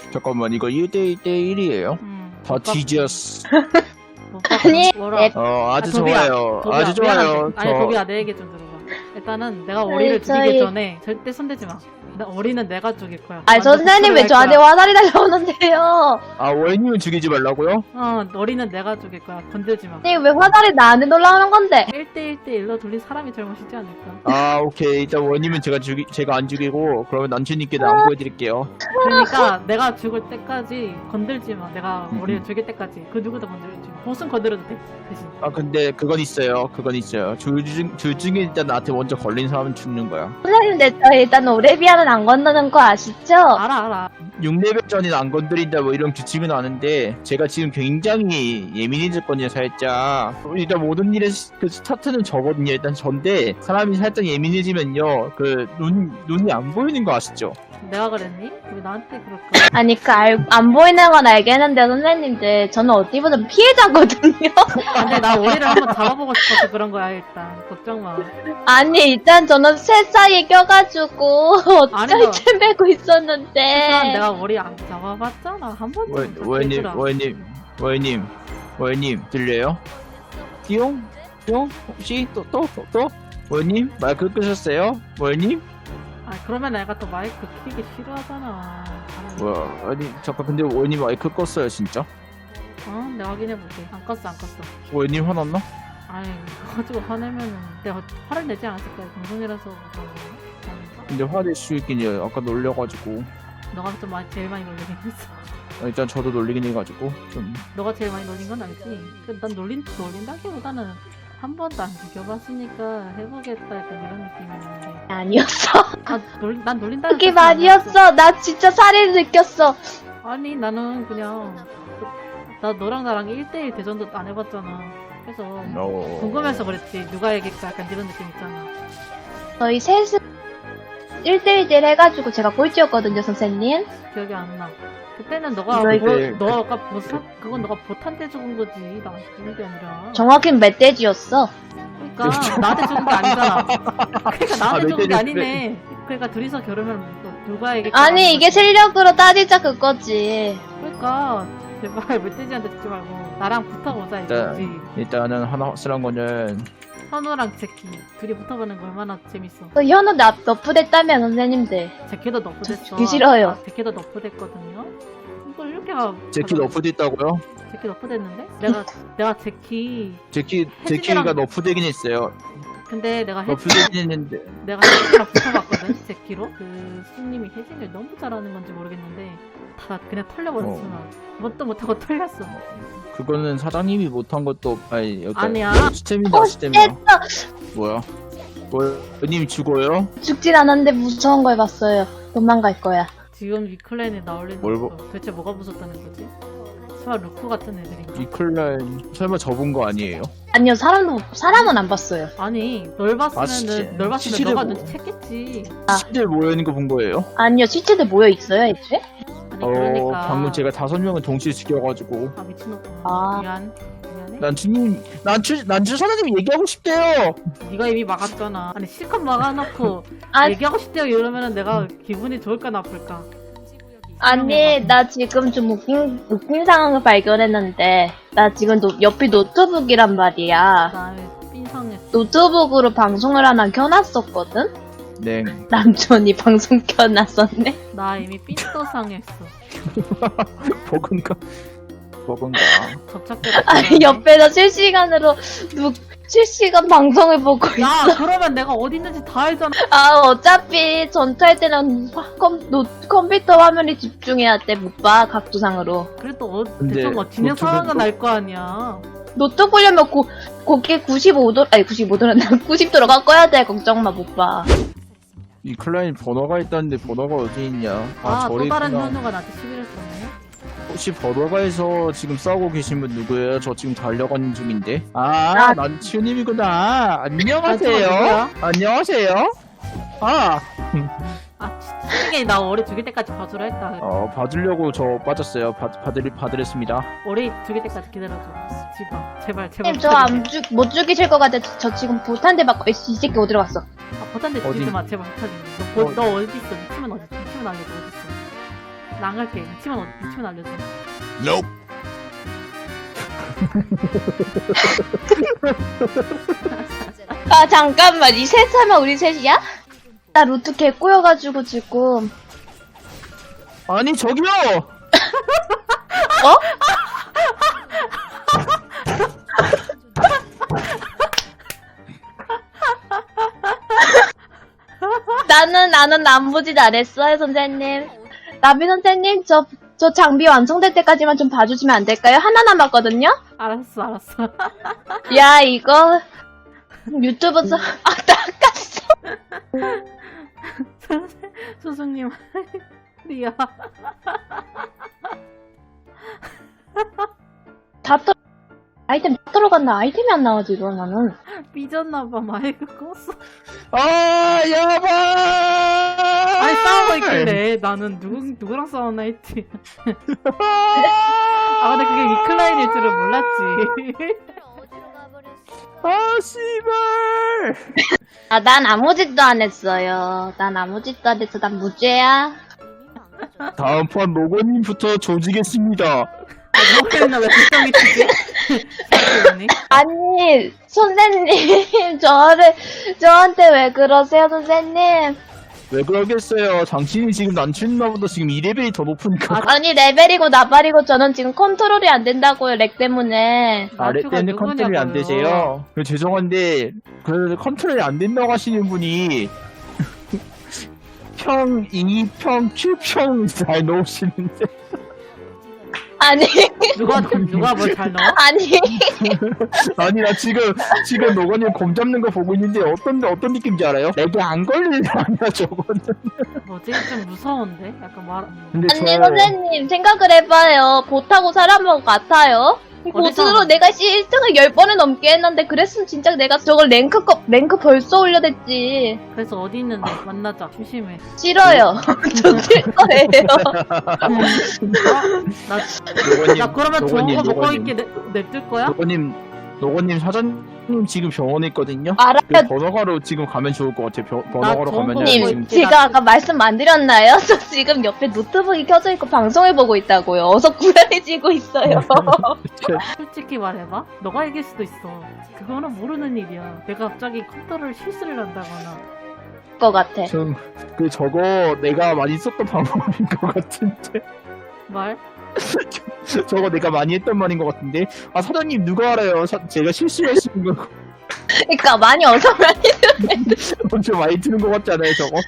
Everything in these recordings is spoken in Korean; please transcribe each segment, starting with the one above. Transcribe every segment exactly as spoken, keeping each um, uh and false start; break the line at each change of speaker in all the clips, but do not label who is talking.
잠깐만 이거 일 대 일 대 일이에요?
음,
다
못 봤-
뒤졌어.
못 봤-
아니,
뭐라.
내-
어 아주
아, 도비야,
좋아요.
도비야,
아주 좋아요.
미안한데. 아니
저
도비야 내 얘기 좀 들어봐. 일단은 내가 오리를
저희-
죽이기 전에 절대 손대지 마. 나 오리는 내가 죽일 거야.
아니
완전
선생님 왜
복수를 할
저한테
거야.
화살이 날라오는데요?
아 원님은 죽이지 말라고요?
어 오리는 내가 죽일 거야. 건들지 마.
선생님 왜 화살이 나한테 놀라오는 건데?
일 대 일 대 일로 돌린 사람이 잘못이지 않을까.
아 오케이 일단 원님은 제가 죽이 제가 안 죽이고 그러면 남친님께 양보해드릴게요.
그러니까 내가 죽을 때까지 건들지 마. 내가
음.
오리를 죽일 때까지 그 누구도 건들지 마. 보스는 건드려도 돼. 대신.
아 근데 그건 있어요. 그건 있어요. 둘 중 둘 중에 일단 나한테 먼저 걸린 사람은 죽는 거야.
선생님 내 저 일단 오레비아는 안 건너는 거 아시죠?
알아 알아.
육 레벨 전에는 안 건드린다 뭐 이런 규칙은 아는데 제가 지금 굉장히 예민해졌거든요 살짝. 일단 모든 일의 시- 그 스타트는 저거든요. 일단 전데 사람이 살짝 예민해지면요 그 눈 눈이 안 보이는 거 아시죠?
내가 그랬니? 왜 나한테 그럴까?
아니 그 안 보이는 건 알겠는데 선생님들 저는 어디 보면 피해자거든요.
근데 나 오리를 한번 잡아보고 싶어서 그런 거야 일단. 걱정 마.
아니 일단 저는 새 사이에 껴가지고
아니, 너-
어쩔 때 메고 있었는데
일단 내가 오리 안 잡아봤잖아. 한 번도
원-
못
원님
잡겠더라.
원님 원님 원님 들려요? 띠용 띠용 혹시 또 또 또 또 원님 마이크 끄셨어요? 원님?
아 그러면 내가 또 마이크 키기 싫어하잖아.
뭐야 아니 잠깐 근데 원님 마이크 껐어요 진짜?
어? 내가 확인해볼게. 안 껐어 안 껐어.
원님 화났나?
아이 그거 가지고 화내면은 내가 화를 내지 않았을 거야. 방송이라서 그런 거야. 아닌가?
근데 화낼 수 있긴 해요. 아까 놀려가지고
너가 좀 많이 제일 많이 놀리긴 했어.
일단 저도 놀리긴 해가지고 좀
너가 제일 많이 놀린 건 알지? 그 난 놀린 놀린다기보다는 한 번도 안 죽여봤으니까 해보겠다 약간 이런 느낌이었는데.
아니었어.
아, 놀, 난 놀린다.
그게 말이었어. 나 진짜 살인 느꼈어.
아니 나는 그냥 나 너랑 나랑 일 대 일 대전도 안 해봤잖아. 그래서
어...
궁금해서 그랬지. 누가 이길까 약간 이런 느낌 있잖아.
저희 셋은 일 대 일 대 일 해가지고 제가 꼴찌였거든요 선생님.
기억이 안 나. 그때는 너가
이거
뭐,
이제-
너가 뭐 사, 그건 너가 보탄 때 죽은 거지. 나 죽은 게 아니라.
정확히 멧돼지였어.
그러니까 나한테 죽은 게 아니잖아. 그러니까 나한테
아,
죽은 게
멧돼지
아니네. 그러니까 둘이서 겨루면 또 누가 이길까?
아니 이게 실력으로 따지자 그거지.
그러니까 제발 멧돼지한테 죽지 말고 나랑 붙어보자
일단-
이거지.
일단은 하나 확실한 거는
현우랑 제키 둘이 붙어보는 거 얼마나 재밌어.
그 현우 나 너프됐다며 선생님들.
제키도 너프됐어.
죽기 싫어요.
아, 제키도 너프됐거든요. 이걸 이렇게 가.
제키 너프됐다고요?
제키 너프됐는데? 내가 내가 제키
제키
혜진이랑-
제키가 너프되긴 했어요.
근데 내가 혜
너프되긴 했는데
내가 혜진이랑 붙어봤거든 제키로. 그 수님이 혜진을 너무 잘하는 건지 모르겠는데 다 그냥 털려버렸어.
어.
나. 뭣도 못하고 털렸어.
그거는 사장님이 못한 것도 아니 일단
아니야.
시스템이다
어,
시스템이야.
됐어.
뭐야? 원님 죽어요?
죽진 않았는데 무서운 걸 봤어요. 도망갈 거야.
지금 위클랜에 나올리는
뭘
거 도대체 뭐가 무섭다는 거지? 설마 루크 같은 애들인가?
이클라인 설마 접은 거 아니에요?
아니요 사람도 사람은 안 봤어요.
아니 널 봤으면은
시체-
널 봤으면
시체를
너가
뭐-
눈치챘겠지.
시들 모여 있는 거 본 거예요?
아니요 시체들 모여 있어요 애초에?
아니
어
그러니까
방금 제가 다섯 명을 동시에 죽여가지고
아 미친놈아.
아.
미안 미안해.
난 주님 난주 난주 사장님 얘기하고 싶대요.
네가 이미 막았잖아. 아니 실컷 막아놓고
아
얘기하고 싶대요 이러면은 내가 기분이 좋을까 나쁠까?
아니 나 지금 좀 웃긴 웃긴 상황을 발견했는데 나 지금 노, 옆이 노트북이란 말이야.
나의 삔상했어.
노트북으로 방송을 하나 켜놨었거든?
네.
남편이 방송 켜놨었네?
나 이미 삔또상했어.
버그인가? 버그인가?
접착제가.
아니 옆에서 실시간으로 누, 실시간 방송을 보고 있어.
야 그러면 내가 어디 있는지 다 알잖아.
아 어차피 전투할 때는 화- 컴, 노, 컴퓨터 화면에 집중해야 돼. 못 봐 각도상으로.
그래도 어,
근데
대충 뭐 진행
노트북은
상황은
또-
알 거 아니야.
노트 보려면 고, 고개 구십오 도 아니 구십오 도는 구십 도로 바꿔야 돼. 걱정 마 못 봐.
이 클라인 번호가 있다는데 번호가 어디 있냐?
아, 또
저리
다른
있구나.
현우가 나한테 시비를 썼네.
혹시 번호가에서 지금 싸우고 계신 분 누구예요? 저 지금 달려가는 중인데. 아,
나-
난 치우님이구나.
난 치우가
안녕하세요.
누구야?
안녕하세요. 아,
아, 솔직히 나 오리 죽일 때까지 봐주라 했다.
어, 봐주려고 저 빠졌어요. 봐, 봐드리, 봐드렸습니다.
오리 죽일 때까지 기다려줘. 지바, 제발, 제발.
저안 죽, 못 죽이실 것 같아. 저 지금 보탄대 맞고 있어. 이 새끼 어디로 갔어?
아, 버탄데
어디?
죽이지 마, 제발. 부탁해. 너, 뭐,
어.
너 어디 있어? 미치면 어디 있어? 미치면 알려줘, 어디 있어? 나 안 갈게. 위치만, 어- 위치만 알려줘.
Nope.
아 잠깐만 이 셋 하면 우리 셋이야? 나 루트 개 꼬여가지고 지금
아니 저기요.
어? 나는 나는 남부짓 안 했어요 선생님. 나비 선생님 저 저 장비 완성될 때까지만 좀 봐주시면 안 될까요? 하나 남았거든요.
알았어, 알았어.
야 이거 유튜브에서 아 닦았어.
소승님, 리아.
다 떨... 아이템 다 들어갔나? 아이템이 안 나와 지금 나는.
삐졌나봐, 마이크 껐어.
아 야바.
아니, 싸우고 있길래 나는 누구, 누구랑 싸웠나 했지. 아, 근데 그게 위클라인일 줄은 몰랐지.
아 씨발.
아 난 아무 짓도 안 했어요. 난 아무 짓도 안 했어. 난 무죄야.
다음 판 로고님부터 조지겠습니다.
목소리나 왜 불쌍히 치지? 그러니?
아니 선생님 저를 저한테 왜 그러세요 선생님?
왜 그러겠어요? 당신이 지금 난춘나보다 지금 이 레벨이 더 높으니까.
아니 레벨이고 나발이고 저는 지금 컨트롤이 안 된다고요 렉 때문에.
아래
나투가
때문에 컨트롤이 안
누구냐고요.
되세요. 그 죄송한데 그 컨트롤이 안 된다고 하시는 분이 평, 이 평, 칠 평 잘 넣으시는데.
아니
누가, 누가 뭘 잘 넣어?
아니
아니 나 지금 지금 노건님 곰 잡는 거 보고 있는데 어떤 어떤 느낌인지 알아요? 내게 안 걸리는 거 아니야 저거는.
뭐지? 좀 무서운데? 약간 말,
근데
아니 선생님 생각을 해봐요. 보타고 사람하고 같아요. 보스로 내가 씨 일 등을 열 번을 넘게 했는데 그랬으면 진짜 내가 저걸 랭크 거, 랭크 벌써 올려댔지.
그래서 어디 있는데? 만나자. 심심해.
싫어요. 저 질 거예요.
나,
노건님,
나 그러면 좋은
노건님,
거 먹고
노건님,
있게 내, 냅둘 거야?
노건님, 노건님 사장님 지금 병원에 있거든요.
알아요.
그 번호가로 지금 가면 좋을 것 같아요. 벼- 번호가로
좋은
가면요.
거
님,
먹고
지금
있지.
제가 아까 말씀 안 드렸나요? 저 지금 옆에 노트북이 켜져 있고 방송을 보고 있다고요. 어서 구현해지고 있어요.
솔직히 말해봐. 너가 이길 수도 있어. 그거는 모르는 일이야. 내가 갑자기 컨트롤 실수를 한다거나.
것 같아.
좀, 그 저거 내가 많이 썼던 방법인 것 같은데.
말?
저거 내가 많이 했던 말인 것 같은데. 아 사장님 누가 알아요? 사- 제가 실수했는 거
그러니까 많이 어서 많이
엄청 많이 드는 것 같잖아요. 저거.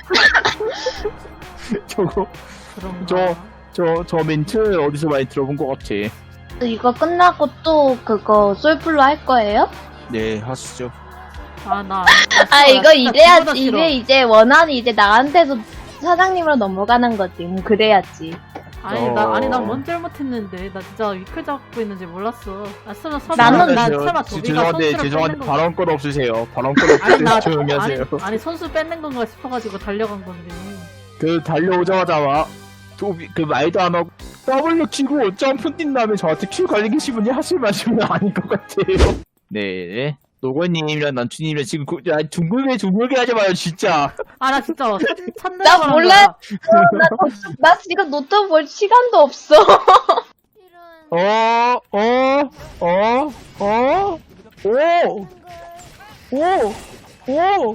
저거
그런가?
저- 저 저 멘트 어디서 많이 들어본 것 같아.
이거 끝나고 또 그거 솔플로 할 거예요?
네 하시죠.
아, 나.
아 이거 이래야
싫어.
이게 이제 원한이 이제 나한테서 사장님으로 넘어가는 거지. 음, 그래야지.
아니, 나, 아니,
어.
난뭔 잘못했는데. 나 진짜 위클 잡고 있는지 몰랐어. 아, 설마, 설마.
나는-
나
저-
설마
지-
도비가
죄송한데
선수를
죄송한데
뺏는 거.
발언권 없으세요. 발언권
아니,
없으세요.
나.
조용히
아니,
하세요.
아니, 선수 뺏는 건가 싶어가지고 달려간 건데.
그 달려오자마자 와. 도비 그 말도 안 하고 더블로 치고 점프 뛴 다음에 저한테 큐 걸리신 분이 하실 말씀은 아닌 것 같아요. 네. 노건님이랑 난춘님이랑 지금 그, 야, 둥글게 둥글게 하지 마요 진짜.
아, 나 진짜 찾, 찾는
나
거란
몰래-
거야.
나, 나 지금 노트북 볼 시간도 없어.
어, 어, 어, 어, 오, 오, 오, 오,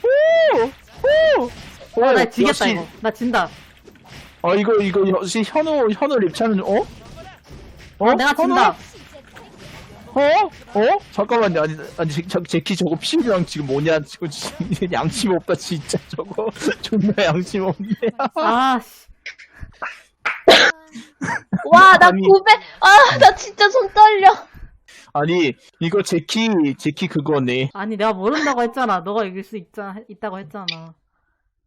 오, 오.
아, 나 지겠다,
역시-
이거. 나 진다.
아 이거 이거 역시 현우 현우 랩차는 어? 어?
아, 내가 진다.
어? 어? 잠깐만요. 아니 아니 제, 저, 제키 저거 피부랑 지금 뭐냐 지금 지금 양심 없다 진짜 저거 존나 양심 없네.
아, 씨.
와, 나
아니.
구백, 아, 나 진짜 손 떨려.
아니 이거 제키 제키 그거네.
아니, 내가 모른다고 했잖아. 너가 이길 수 있자, 있다고 했잖아.